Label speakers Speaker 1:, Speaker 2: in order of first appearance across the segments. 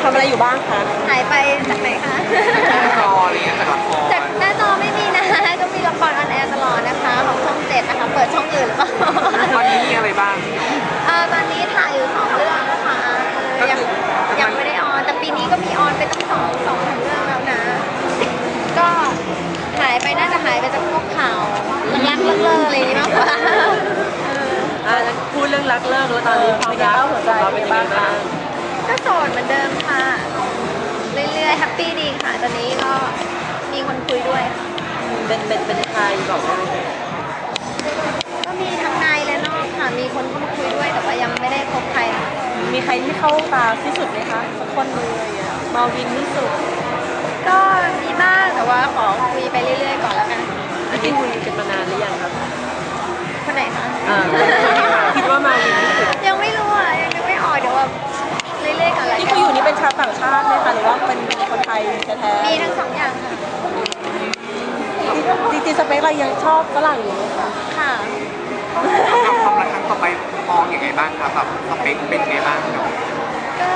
Speaker 1: ำอะไรอยู่บ้างคะ
Speaker 2: หายไปจากไหนคะ
Speaker 3: จออะไรเงี้ยจากละคร
Speaker 2: จากหน้าจอไม่มีนะ ก็มีละครออนแอร์ตลอดนะคะของช่อง7นะคะ เปิดช่องอื่นหรือเปล่า
Speaker 3: ตอนนี้มีอะไรบ้าง
Speaker 2: ตอนนี้ถ่ายอยู่2เรื่องนะคะยังไม่ได้ออนแต่ปีนี้ก็มีออนไปตั้งสองเรื่องแล้วนะ ก็หายไปน่าจะหายไปจากพวกข่าวรักๆเลิกๆอะไรอย่างนี้มากกว่า
Speaker 1: พูดเรื่องรักเลิกแล้วตอนนี้ความรักหัวใจเป็นยังไงบ้าง
Speaker 2: ก็โสดเหมือนเดิมค่ะ เรื่อยๆแฮปปี้ดีค่ะ ตอนนี้ก็มีคนคุยด้วยค่ะ
Speaker 1: เป็นใครบอกได้ไหม
Speaker 2: ก็มีทั้งในและนอกค่ะ มีคนเข้ามาคุยด้วยแต่ว่ายังไม่ได้พบใครนะคะ
Speaker 1: มีใครที่เข้าตาที่สุดไหมคะสักคนหนึงอะไรเงี้ยมาวินที่สุด
Speaker 2: ก็มีบ้างแต่ว่าขอคุยไปเรื่อยๆก่อนแล้วกัน
Speaker 1: อันนี้คุยกันมานานหรือยังครับ
Speaker 2: คนไหนคะ
Speaker 1: คิดว่ามาวินที่สุด
Speaker 2: ยังไม่รู้อ่ะยังนึกไม่ออกเดี๋ยวว่าเรื่อยๆก่อนละ
Speaker 1: ที่
Speaker 2: กั
Speaker 1: เขาอยู่นี่เป็นชาวต่างชาติไหมคะหรือว่าเป็นคนไทยแท้
Speaker 2: มีทั้งสองอย่างค่ะ
Speaker 1: ๆจริงๆสเปคเรายังชอบฝรั่งอยู่ไหมคะ
Speaker 2: ค่ะ
Speaker 3: กับความรักครั้งต่อไปมองอย่างไงบ้างครับแบบสเปคเป็นไงบ้างเนาะ
Speaker 2: ก็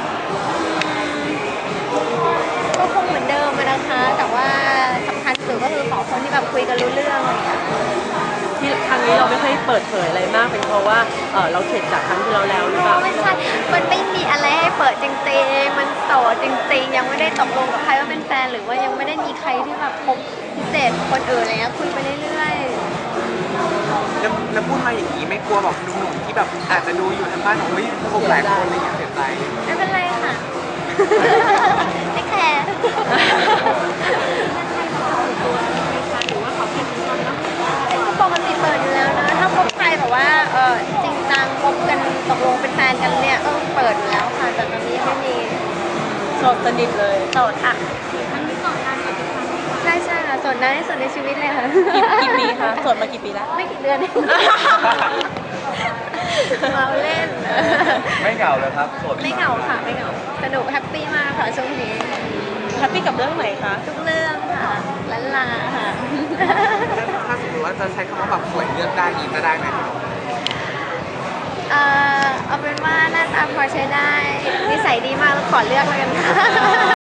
Speaker 2: ก็คงเหมือนเดิมอะนะคะ แต่ว่าสำคัญสุดก็คือขอคนที่แบบคุยกันรู้เรื่องอะไรอย่างเงี้ย
Speaker 1: ที่ครั้งนี้เราไม่ค่อยเปิดเผยอะไรมากเป็นเพราะว่าเราเข็ดจากครั้งที่เราแล้วหรือเปล่า
Speaker 2: ไม่ใช่ มันไม่มีอะไรให้เปิดจริงๆ มันโสดจริงๆ ยังไม่ได้ตกลงกับใครว่าเป็นแฟนหรือว่ายังไม่ได้มีใครที่แบบพบพิเศษคนอื่นอะไรเงี้ยคุยไปเรื่อย
Speaker 3: แล้วพูดมาอย่างนี้ไม่กลัวแบบหนุ่มๆที่แบบอาจจะดูอยู่ทางบ้านของเฮ้ยคบหลายคนอะไรเงี้ยเสียใจ
Speaker 2: ๆ ไม่เป็นไรค่ะ ไม่แคร์ปกติเปิดอยู่แล้วนะ ถ้าพบใครแบบว่าจริงจังพบกันตกลงเป็นแฟนกันเนี่ยก็เปิดอยู่แล้วค่ะ แต่ตอนนี้ไม่มี
Speaker 1: โสดสนิทเลย
Speaker 2: โสดค่ะใช่ใช่ค่ะโสดนานที่สุดในชีวิตเลยค่ะ
Speaker 1: กี่ปีคะโสดมากี่ปีแล้ว
Speaker 2: ไม่กี่เดือนเองเราเล่น
Speaker 3: ไม่เหงาเลยครับโสด
Speaker 2: ไม่เหงาค่ะไม่เหงาสนุกแฮปปี้มากค่ะช่วงนี้
Speaker 1: แฮปปี้กับเรื่องไหนคะ
Speaker 2: ทุกเรื่องค่ะล้านลาค่ะ
Speaker 3: ถ้าสมมติว่าจะใช้คำว่าแบบสวยเลือกได้อีกจะได้ไหมครับ
Speaker 2: เอาเป็นว่าหน้าตาพอใช้ได้ นิสัยดีมากแล้วขอเลือกแล้วกันค่ะ